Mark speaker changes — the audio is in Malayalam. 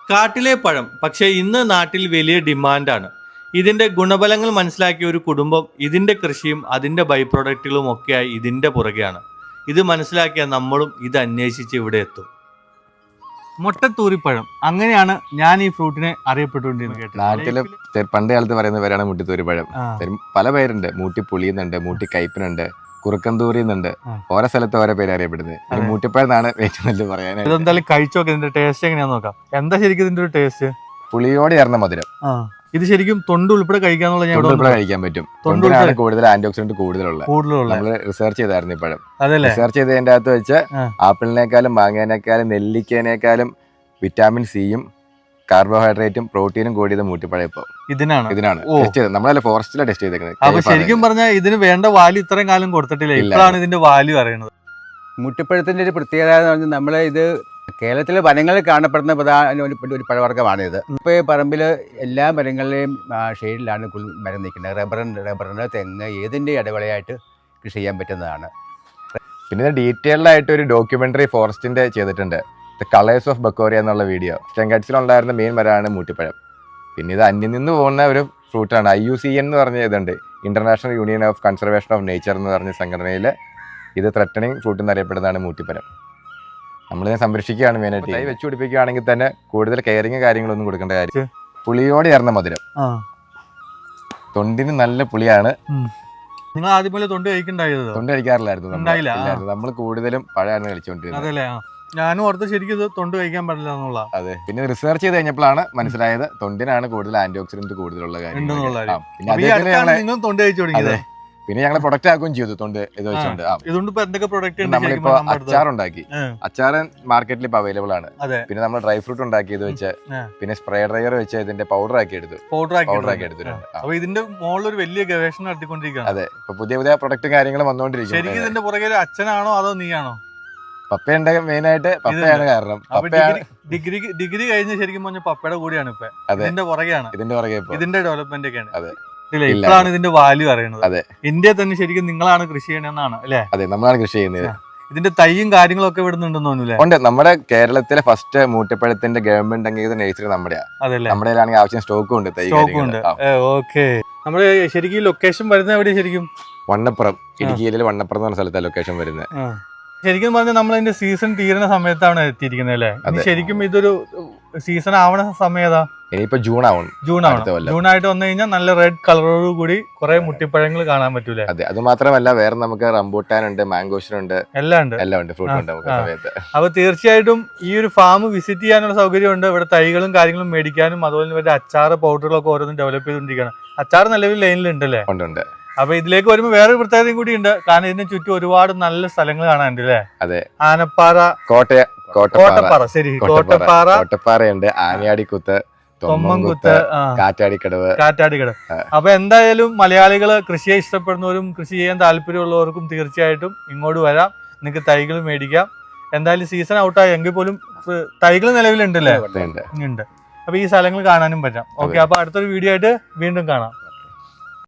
Speaker 1: കാട്ടിലെ പഴം പക്ഷേ ഇന്ന് നാട്ടിൽ വലിയ ഡിമാൻഡാണ്. ഇതിന്റെ ഗുണഫലങ്ങൾ മനസ്സിലാക്കിയ ഒരു കുടുംബം ഇതിന്റെ കൃഷിയും അതിന്റെ ബൈ പ്രൊഡക്റ്റുകളും ഒക്കെയായി ഇതിന്റെ പുറകെയാണ്. ഇത് മനസ്സിലാക്കിയ നമ്മളും ഇത് അന്വേഷിച്ച് ഇവിടെ എത്തും. മുട്ടത്തൂരിപ്പഴം, അങ്ങനെയാണ് ഞാൻ ഈ ഫ്രൂട്ടിനെ അറിയപ്പെട്ടുകൊണ്ടിരുന്നത്.
Speaker 2: നാട്ടില് പണ്ട് കാലത്ത് പറയുന്ന പേരാണ് മുട്ടിത്തൂരിപ്പഴം. പല പേരുണ്ട്. മൂട്ടി പുളിയുന്നുണ്ട്, മൂട്ടി കയ്പിനുണ്ട്, കുറുക്കന്തൂരി എന്നുണ്ട്. ഓരോ സ്ഥലത്ത് ഓരോ പേര് അറിയപ്പെടുന്നത്. മൂട്ടിപ്പഴം എന്നാണ് ഏറ്റവും നല്ല പറയാനായിട്ട്.
Speaker 1: ഇതെന്തായാലും കഴിച്ചു നോക്കാം, ഇതിന്റെ ടേസ്റ്റ് എങ്ങനെയാന്ന് നോക്കാം. എന്താ ശരിക്കും ഇതിന്റെ ഒരു ടേസ്റ്റ്?
Speaker 2: പുളിയോട് ചേർന്ന മധുരം.
Speaker 1: ഇത് ശരിക്കും തൊണ്ട് ഉൾപ്പെടെ കഴിക്കാന്നുള്ള
Speaker 2: കഴിക്കാൻ പറ്റും. തൊണ്ടിനാണ് കൂടുതൽ ആന്റി ഓക്സിഡന്റ് കൂടുതലുള്ള. നമ്മൾ റിസർച്ച് ചെയ്തായിരുന്നു ഈ പഴം. റിസർച്ച് ചെയ്തതിന്റെ അകത്ത് വെച്ച് ആപ്പിളിനേക്കാളും മാങ്ങേനേക്കാളും നെല്ലിക്കേനേക്കാളും വിറ്റാമിൻ സിയും കാർബോഹൈഡ്രേറ്റും പ്രോട്ടീനും കൂടിയത് മൂട്ടിപ്പഴം. ഇപ്പൊ ഇതിനാണ് ടെസ്റ്റ് ചെയ്തത്. നമ്മളല്ല ഫോറസ്റ്റിലാണ് ടെസ്റ്റ് ചെയ്തേക്കുന്നത്.
Speaker 1: അപ്പൊ ശരിക്കും പറഞ്ഞാൽ ഇതിന് വേണ്ട വാല്യൂ ഇത്രയും കാലം കൊടുത്തിട്ടില്ല. ഇപ്പോഴാണ് ഇതിന്റെ വാല്യൂ അറിയുന്നത്.
Speaker 3: മുട്ടിപ്പഴത്തിന്റെ ഒരു പ്രത്യേകത എന്ന് പറഞ്ഞാൽ നമ്മളെ ഇത് കേരളത്തിലെ വനങ്ങളിൽ കാണപ്പെടുന്ന പ്രധാന ഒരു പഴവർഗ്ഗമാണിത്. ഇപ്പോൾ ഈ പറമ്പിൽ എല്ലാ മരങ്ങളുടെയും ഷെയ്ഡിലാണ് മരം നിൽക്കുന്നത്. റബ്ബറിന് തെങ്ങ് ഏതിൻ്റെ ഇടവേളയായിട്ട് കൃഷി ചെയ്യാൻ പറ്റുന്നതാണ്.
Speaker 2: പിന്നെ ഡീറ്റെയിൽഡ് ആയിട്ട് ഒരു ഡോക്യുമെന്ററി ഫോറസ്റ്റിന്റെ ചെയ്തിട്ടുണ്ട്. ദ കളേഴ്സ് ഓഫ് ബക്കോറിയ എന്നുള്ള വീഡിയോ. സ്റ്റെങ്കറ്റ്സിലുണ്ടായിരുന്ന മെയിൻ മരമാണ് മൂട്ടിപ്പഴം. പിന്നെ ഇത് അന്യം നിന്ന് പോകുന്ന ഒരു ഫ്രൂട്ടാണ്. IUCN എന്ന് പറഞ്ഞ ഇതുണ്ട്, international union of conservation of nature എന്ന് പറഞ്ഞ സംഘടനയിൽ ഇത് ത്രെട്ടണിങ് ഫ്രൂട്ട് എന്നറിയപ്പെടുന്നതാണ് മൂട്ടിപ്പഴം. നമ്മളിതിനെ സംരക്ഷിക്കുകയാണ് മെയിനായിട്ട്. തൈ വെച്ച് പിടിപ്പിക്കുകയാണെങ്കിൽ തന്നെ കൂടുതൽ കെയറിങ് കാര്യങ്ങളൊന്നും കൊടുക്കേണ്ട കാര്യം. പുളിയോട് ചേർന്ന മധുരം. തൊണ്ടിന് നല്ല പുളിയാണ്.
Speaker 1: നിങ്ങൾ ആദ്യം പോലെ തൊണ്ട് കഴിക്കണ്ടായത്?
Speaker 2: തൊണ്ട് കഴിക്കാറില്ലായിരുന്നു. നമ്മൾ കൂടുതലും പഴമാണ് കഴിച്ചുകൊണ്ടിരുന്നത്.
Speaker 1: ഞാനും ഓർത്ത് ശരിക്കും ഇത് തൊണ്ട് കഴിക്കാൻ പാടില്ല എന്നുള്ള.
Speaker 2: അതെ, പിന്നെ റിസർച്ച് ചെയ്ത് കഴിഞ്ഞപ്പോഴാണ് മനസ്സിലായത് തൊണ്ടിനാണ് കൂടുതൽ ആന്റി ഓക്സിഡന്റ് കൂടുതലുള്ള കാര്യം. പിന്നെ ഞങ്ങൾ പ്രൊഡക്റ്റ് ആക്കുകയും ചെയ്തു തൊണ്ട് ഇത് വെച്ചുകൊണ്ട്. നമ്മളിപ്പോ അച്ചാറുണ്ടാക്കി. അച്ചാർ മാർക്കറ്റിൽ ഇപ്പൊ അവൈലബിൾ ആണ്. പിന്നെ നമ്മൾ ഡ്രൈ ഫ്രൂട്ട് ഉണ്ടാക്കി ഇത് വെച്ച്, പിന്നെ സ്പ്രേ ഡ്രയർ വെച്ച് ഇതിന്റെ പൗഡർ ആക്കി എടുത്തു.
Speaker 1: അപ്പൊ ഇതിന്റെ മുകളിൽ ഒരു വലിയ ഗവേഷണം നടത്തിക്കൊണ്ടിരിക്കുകയാണ്.
Speaker 2: അതെ, ഇപ്പൊ പുതിയ പുതിയ പ്രൊഡക്റ്റും കാര്യങ്ങളും വന്നുകൊണ്ടിരിക്കും.
Speaker 1: ശരിക്കും ഇതിന്റെ പുറകെ അച്ഛനാണോ അതോ നീയാണോ?
Speaker 2: പപ്പയുണ്ട്, മെയിൻ ആയിട്ട് പപ്പയാണ് കാരണം.
Speaker 1: ഡിഗ്രി കഴിഞ്ഞ് ശരിക്കും പറഞ്ഞ പപ്പയുടെ കൂടിയാണ് ഇപ്പൊ. ഇതിന്റെ പുറകെയാണ്, ഇതിന്റെ ഡെവലപ്മെന്റ് ഒക്കെയാണ്.
Speaker 2: അതെ,
Speaker 1: ഇപ്പോഴാണ് ഇതിന്റെ വാല്യൂ അറിയുന്നത്. അതെ, ഇന്ത്യയിൽ തന്നെ ശരിക്കും നിങ്ങളാണ് കൃഷി ചെയ്യണമെന്നാണ് അല്ലേ?
Speaker 2: അതെ, നമ്മളാണ് കൃഷി ചെയ്യുന്നത്.
Speaker 1: ഇതിന്റെ തൈയും കാര്യങ്ങളൊക്കെ ഇവിടുന്നുണ്ടെന്ന് തോന്നുന്നു.
Speaker 2: ഉണ്ട്. നമ്മുടെ കേരളത്തിലെ ഫസ്റ്റ് മൂട്ടിപ്പഴത്തിന്റെ ഗവൺമെന്റ് അംഗീകൃത നഴ്സറി നമ്മുടെയാണ്. നമ്മുടെ ആവശ്യം സ്റ്റോക്കും ഉണ്ട്, തൈ
Speaker 1: ഉണ്ട്. ഓക്കെ, നമ്മുടെ ശരിക്കും ലൊക്കേഷൻ വരുന്നത് എവിടെയാണ്? ശരിക്കും
Speaker 2: വണ്ണപ്പുറം, ഇടുക്കിയിലെ വണ്ണപ്പുറം എന്ന് പറഞ്ഞ സ്ഥലത്താണ് ലൊക്കേഷൻ വരുന്നത്.
Speaker 1: ശരിക്കും പറഞ്ഞാൽ നമ്മൾ അതിന്റെ സീസൺ തീരുന്ന സമയത്താണ് എത്തിയിരിക്കുന്നത് അല്ലേ? ശരിക്കും ഇതൊരു സീസൺ ആവണ സമയതാ?
Speaker 2: ഇനിയിപ്പോ ജൂൺ
Speaker 1: ആയിട്ട് വന്നു കഴിഞ്ഞാൽ നല്ല റെഡ് കളറോട് കൂടി കുറെ മുട്ടിപ്പഴങ്ങൾ കാണാൻ പറ്റൂലേ?
Speaker 2: അതെ, അത് മാത്രമല്ല വേറെ നമുക്ക് റംബൂട്ടാൻ ഉണ്ട്, മാംഗോഷൻ ഉണ്ട്, എല്ലാം ഉണ്ട്, ഫ്രൂട്ട് ഉണ്ട് നമുക്ക് സമയത്ത്.
Speaker 1: അപ്പൊ തീർച്ചയായിട്ടും ഈ ഒരു ഫാം വിസിറ്റ് ചെയ്യാനുള്ള സൗകര്യം ഉണ്ട്. ഇവിടെ തൈകളും കാര്യങ്ങളും മേടിക്കാനും അതുപോലെ തന്നെ അച്ചാറ് പൗഡറുകളൊക്കെ ഓരോന്നും ഡെവലപ്പ് ചെയ്തുകൊണ്ടിരിക്കുകയാണ്. അച്ചാറ് നിലവിൽ ലൈനിലുണ്ടല്ലേ?
Speaker 2: ഉണ്ട്.
Speaker 1: അപ്പൊ ഇതിലേക്ക് വരുമ്പോ വേറൊരു പ്രത്യേകതയും കൂടി ഉണ്ട്. കാരണം ഇതിന് ചുറ്റും ഒരുപാട് നല്ല സ്ഥലങ്ങൾ കാണാനുണ്ട് അല്ലേ?
Speaker 2: അതെ,
Speaker 1: ആനപ്പാറ,
Speaker 2: കോട്ടപ്പാറ,
Speaker 1: ശരി,
Speaker 2: കോട്ടപ്പാറയുണ്ട്, ആനയാടിക്കുത്ത്, തൊമ്മൻകുത്ത്, കാറ്റാടിക്കടവ്.
Speaker 1: അപ്പൊ എന്തായാലും മലയാളികള് കൃഷിയെ ഇഷ്ടപ്പെടുന്നവരും കൃഷി ചെയ്യാൻ താല്പര്യമുള്ളവർക്കും തീർച്ചയായിട്ടും ഇങ്ങോട്ട് വരാം. നിങ്ങൾക്ക് തൈകൾ മേടിക്കാം. എന്തായാലും സീസൺ ഔട്ടായി എങ്കിൽ പോലും തൈകൾ നിലവിലുണ്ടല്ലേ? ഉണ്ട്. അപ്പൊ ഈ സ്ഥലങ്ങൾ കാണാനും പറ്റാം. ഓക്കെ, അപ്പൊ അടുത്തൊരു വീഡിയോ ആയിട്ട് വീണ്ടും കാണാം.